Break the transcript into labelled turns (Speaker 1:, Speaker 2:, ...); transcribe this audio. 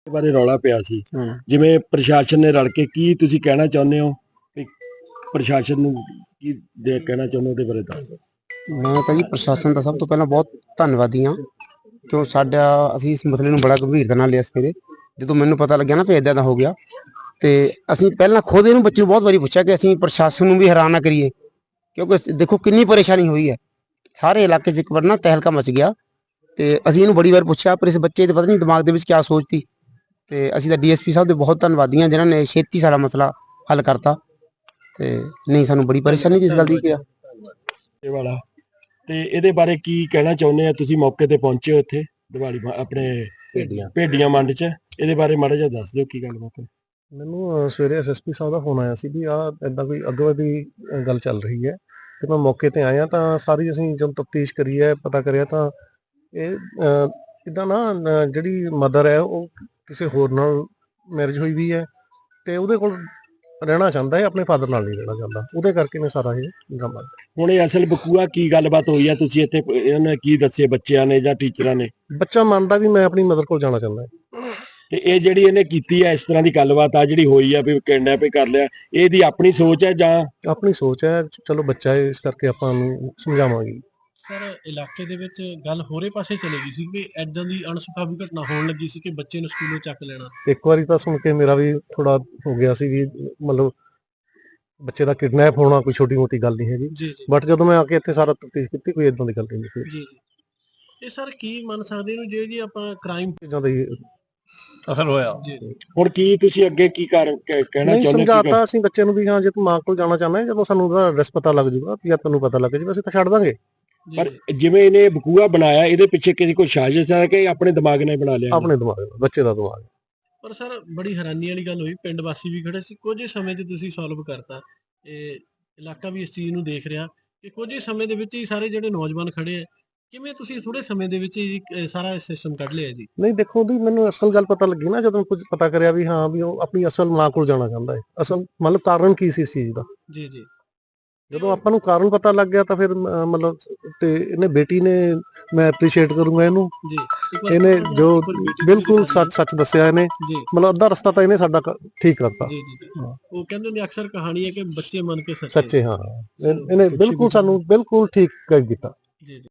Speaker 1: ਬਾਰੇ ਰੌਲਾ ਪਿਆ ਸੀ
Speaker 2: ਹਾਂ।
Speaker 1: ਜਿਵੇਂ ਪ੍ਰਸ਼ਾਸਨ ਨੇ ਰਲ ਕੇ ਕੀ ਤੁਸੀਂ ਕਹਿਣਾ ਚਾਹੁੰਦੇ ਹੋ ਕਿ ਪ੍ਰਸ਼ਾਸਨ ਨੂੰ ਕੀ ਕਹਿਣਾ ਚਾਹੁੰਦੇ ਹੋ ਉਹਦੇ ਬਾਰੇ ਦੱਸ ਦਿਓ।
Speaker 2: ਮੈਂ ਤਾਂ ਜੀ ਪ੍ਰਸ਼ਾਸਨ ਦਾ ਸਭ ਤੋਂ ਪਹਿਲਾਂ ਬਹੁਤ ਧੰਨਵਾਦੀ ਹਾਂ ਕਿਉਂ ਅਸੀਂ ਇਸ ਮਸਲੇ ਨੂੰ ਬੜਾ ਗੰਭੀਰਤਾ ਨਾਲ ਲਿਆ ਸਵੇਰੇ ਜਦੋਂ ਮੈਨੂੰ ਪਤਾ ਲੱਗਿਆ ਨਾ ਵੀ ਇੱਦਾਂ ਦਾ ਹੋ ਗਿਆ ਤੇ ਅਸੀਂ ਪਹਿਲਾਂ ਖੁਦ ਇਹਨੂੰ ਬੱਚੇ ਨੂੰ ਬਹੁਤ ਵਾਰੀ ਪੁੱਛਿਆ ਕਿ ਅਸੀਂ ਪ੍ਰਸ਼ਾਸਨ ਨੂੰ ਵੀ ਹੈਰਾਨ ਨਾ ਕਰੀਏ ਕਿਉਂਕਿ ਦੇਖੋ ਕਿੰਨੀ ਪਰੇਸ਼ਾਨੀ ਹੋਈ ਹੈ ਸਾਰੇ ਇਲਾਕੇ 'ਚ ਇੱਕ ਵਾਰ ਨਾ ਤਹਿਲਕਾ ਮਚ ਗਿਆ ਤੇ ਅਸੀਂ ਇਹਨੂੰ ਬੜੀ ਵਾਰ ਪੁੱਛਿਆ ਪਰ ਇਸ ਬੱਚੇ ਦੇ ਪਤਾ ਨਹੀਂ ਦਿਮਾਗ ਦੇ ਵਿੱਚ ਕੀ ਸੋਚ ਸੀ ਤੇ ਅਸੀਂ ਤਾਂ ਡੀਐਸਪੀ ਸਾਹਿਬ ਦੇ ਬਹੁਤ ਧੰਨਵਾਦੀ ਹਾਂ ਜਿਨ੍ਹਾਂ ਨੇ ਛੇਤੀ ਸਾਡਾ ਮਸਲਾ ਹੱਲ ਕਰਤਾ ਤੇ ਨਹੀਂ ਸਾਨੂੰ ਬੜੀ ਪਰੇਸ਼ਾਨੀ ਦੀ ਇਸ ਗੱਲ ਦੀ ਕਿਹਾ
Speaker 1: ਇਹ ਵਾਲਾ ਤੇ ਇਹਦੇ ਬਾਰੇ ਕੀ ਕਹਿਣਾ ਚਾਹੁੰਦੇ ਆ ਤੁਸੀਂ ਮੌਕੇ ਤੇ ਪਹੁੰਚੇ ਹੋ ਇੱਥੇ ਦਿਵਾਲੀ ਆਪਣੇ ਭੇਡੀਆਂ ਮੰਡ 'ਚ ਇਹਦੇ ਬਾਰੇ ਮਾੜਾ ਜਿਹਾ ਦੱਸ ਦਿਓ ਕੀ ਗੱਲਬਾਤ ਹੈ।
Speaker 3: ਮੈਨੂੰ ਸਵੇਰੇ ਐਸਐਸਪੀ ਸਾਹਿਬ ਦਾ ਫੋਨ ਆਇਆ ਸੀ ਵੀ ਆਹ ਇੱਦਾਂ ਕੋਈ ਅੱਗੋਂ ਦੀ ਗੱਲ ਚੱਲ ਰਹੀ ਹੈ ਤੇ ਮੈਂ ਮੌਕੇ ਤੇ ਆਇਆ ਤਾਂ ਸਾਰੀ ਅਸੀਂ ਜਦੋਂ ਤਫਤੀਸ਼ ਕਰੀ ਹੈ ਪਤਾ ਕਰਿਆ ਤਾਂ ਇਹ ਇੱਦਾਂ ਨਾ ਜਿਹੜੀ ਮਦਰ ਹੈ ਉਹ ਕਿਸੇ ਹੋਰ ਨਾਲ ਮੈਰਿਜ ਹੋਈ ਵੀ ਹੈ ਤੇ ਉਹਦੇ ਕੋਲ ਰਹਿਣਾ ਚਾਹੁੰਦਾ ਹੈ ਆਪਣੇ ਫਾਦਰ ਨਾਲ ਨਹੀਂ ਰਹਿਣਾ ਚਾਹੁੰਦਾ ਉਹਦੇ ਕਰਕੇ ਮੈਂ ਸਾਰਾ ਇਹ ਡਰਾਮਾ
Speaker 1: ਹੁਣ ਇਹ ਅਸਲ ਬਕੂਆ ਕੀ ਗੱਲਬਾਤ ਹੋਈ ਆ ਤੁਸੀਂ ਇੱਥੇ ਇਹਨਾਂ ਨੇ ਕੀ ਦੱਸੇ ਬੱਚਿਆਂ ਨੇ ਜਾਂ ਟੀਚਰਾਂ ਨੇ
Speaker 3: ਬੱਚਾ ਮੰਨਦਾ ਵੀ ਮੈਂ ਆਪਣੀ ਮਦਰ ਕੋਲ ਜਾਣਾ ਚਾਹੁੰਦਾ
Speaker 1: ਤੇ ਇਹ ਜਿਹੜੀ ਇਹਨੇ ਕੀਤੀ ਹੈ ਇਸ ਤਰ੍ਹਾਂ ਦੀ ਗੱਲਬਾਤ ਆ ਜਿਹੜੀ ਹੋਈ ਆ ਵੀ ਕਿਡਨੈਪ ਕਰ ਲਿਆ ਇਹਦੀ ਆਪਣੀ ਸੋਚ ਹੈ ਜਾਂ
Speaker 3: ਆਪਣੀ ਸੋਚ ਹੈ ਚਲੋ ਬੱਚਾ ਹੈ ਇਸ ਕਰਕੇ ਆਪਾਂ ਉਹਨੂੰ ਸਮਝਾਵਾਂਗੇ।
Speaker 4: ਸਰ ਇਲਾਕੇ ਦੇ ਵਿੱਚ ਗੱਲ ਹੋਰੇ ਪਾਸੇ ਚਲੇ ਗਈ ਸੀ ਕਿ ਐਦਾਂ ਦੀ ਅਣਸੁਖਾਵੀ ਘਟਨਾ ਹੋਣ ਲੱਗੀ ਸੀ ਕਿ ਬੱਚੇ ਨੂੰ ਸਕੂਲੋਂ ਚੱਕ ਲੈਣਾ।
Speaker 3: ਇੱਕ ਵਾਰੀ ਤਾਂ ਸੁਣ ਕੇ ਮੇਰਾ ਵੀ ਥੋੜਾ ਹੋ ਗਿਆ ਸੀ ਵੀ ਮਤਲਬ ਬੱਚੇ ਦਾ ਕਿਡਨੈਪ ਹੋਣਾ ਕੋਈ ਛੋਟੀ ਮੋਟੀ ਗੱਲ ਨਹੀਂ ਹੈਗੀ
Speaker 4: ਜੀ
Speaker 3: ਬਟ ਜਦੋਂ ਮੈਂ ਆ ਕੇ ਇੱਥੇ ਸਾਰਾ ਤਫਤੀਸ਼ ਕੀਤੀ ਕੋਈ ਇਦਾਂ ਦੀ ਗੱਲ ਨਹੀਂ ਸੀ।
Speaker 4: ਜੀ ਇਹ ਸਰ ਕੀ ਮੰਨ ਸਕਦੇ ਨੂੰ ਜੇ ਜੀ ਆਪਾਂ ਕ੍ਰਾਈਮ
Speaker 3: ਚੀਜ਼ਾਂ ਦਾ ਹੀ
Speaker 4: ਅਸਰ ਹੋਇਆ ਜੀ
Speaker 1: ਹੁਣ ਕੀ ਤੁਸੀਂ ਅੱਗੇ ਕੀ ਕਹਿਣਾ
Speaker 3: ਨਹੀਂ
Speaker 1: ਚਾਹੁੰਦੇ
Speaker 3: ਸਮਝਾਤਾ ਅਸੀਂ ਬੱਚੇ ਨੂੰ ਵੀ ਹਾਂ ਜੇ ਤੂੰ ਮਾਂ ਕੋਲ ਜਾਣਾ ਚਾਹੁੰਦਾ ਜਦੋਂ ਸਾਨੂੰ ਉਹਦਾ ਐਡਰੈਸ ਪਤਾ ਲੱਗ ਜਾਊਗਾ ਜਾਂ ਤੈਨੂੰ ਪਤਾ ਲੱਗ ਜਾਊਗਾ ਅਸੀਂ ਤਾਂ ਛੱਡ ਦਾਂਗੇ।
Speaker 1: ਪਰ ਜਿਵੇਂ ਇਹਨੇ ਬਕੂਆ ਬਣਾਇਆ ਇਹਦੇ ਪਿੱਛੇ ਕਿਸੇ ਕੋਈ ਸਾਜ਼ਿਸ਼ ਹੈ ਕਿ ਆਪਣੇ ਦਿਮਾਗ ਨਾਲ ਬਣਾ ਲਿਆ
Speaker 3: ਆਪਣੇ ਦਿਮਾਗ ਨਾਲ ਬੱਚੇ ਦਾ ਦਿਮਾਗ।
Speaker 4: ਪਰ ਸਰ ਬੜੀ ਹੈਰਾਨੀ ਵਾਲੀ ਗੱਲ ਹੋਈ ਪਿੰਡ ਵਾਸੀ ਵੀ ਖੜੇ ਸੀ ਕੁਝ ਸਮੇਂ 'ਚ ਤੁਸੀਂ ਸੋਲਵ ਕਰਤਾ ਇਹ ਇਲਾਕਾ ਵੀ ਇਸ ਚੀਜ਼ ਨੂੰ ਦੇਖ ਰਿਹਾ ਕਿ ਕੁਝ ਸਮੇਂ ਦੇ ਵਿੱਚ ਹੀ ਸਾਰੇ ਜਿਹੜੇ ਨੌਜਵਾਨ ਖੜੇ ਆ ਕਿਵੇਂ ਤੁਸੀਂ ਥੋੜੇ ਸਮੇਂ ਦੇ ਵਿੱਚ ਹੀ ਸਾਰਾ ਸਿਸਟਮ ਕੱਢ ਲਿਆ ਜੀ।
Speaker 3: ਨਹੀਂ ਦੇਖੋ ਉਹਦੀ ਮੈਨੂੰ ਅਸਲ ਗੱਲ ਪਤਾ ਲੱਗੀ ਨਾ ਜਦੋਂ ਕੁਝ ਪਤਾ ਕਰਿਆ ਵੀ ਹਾਂ ਵੀ ਉਹ ਆਪਣੀ ਅਸਲ ਮਾਂ ਕੋਲ ਜਾਣਾ ਚਾਹੁੰਦਾ ਹੈ ਅਸਲ ਮਤਲਬ ਕਾਰਨ ਕੀ ਸੀ ਇਸ ਚੀਜ਼ ਦਾ।
Speaker 4: ਜੀ ਜੀ
Speaker 3: ਜਦੋਂ ਆਪਾਂ ਨੂੰ ਕਾਰਨ ਪਤਾ ਲੱਗ ਗਿਆ ਤਾਂ ਫਿਰ ਮਤਲਬ ਤੇ ਇਹਨੇ ਬੇਟੀ ਨੇ ਮੈਂ ਐਪਰੀਸ਼ੀਏਟ ਕਰੂੰਗਾ ਇਹਨੂੰ
Speaker 4: ਜੀ
Speaker 3: ਇਹਨੇ ਜੋ ਬਿਲਕੁਲ ਸੱਚ ਦੱਸਿਆ ਇਹਨੇ
Speaker 4: ਜੀ
Speaker 3: ਮਤਲਬ ਅੱਧਾ ਰਸਤਾ ਤਾਂ ਇਹਨੇ ਸਾਡਾ ਠੀਕ ਕਰਤਾ।
Speaker 4: ਜੀ ਜੀ ਉਹ ਕਹਿੰਦੇ ਨੇ ਅਕਸਰ ਕਹਾਣੀ ਹੈ ਕਿ ਬੱਚੇ ਮੰਨ ਕੇ
Speaker 3: ਸੱਚੇ ਹਾਂ ਇਹਨੇ ਬਿਲਕੁਲ ਸਾਨੂੰ ਬਿਲਕੁਲ ਠੀਕ ਕਰ ਦਿੱਤਾ।
Speaker 4: ਜੀ ਜੀ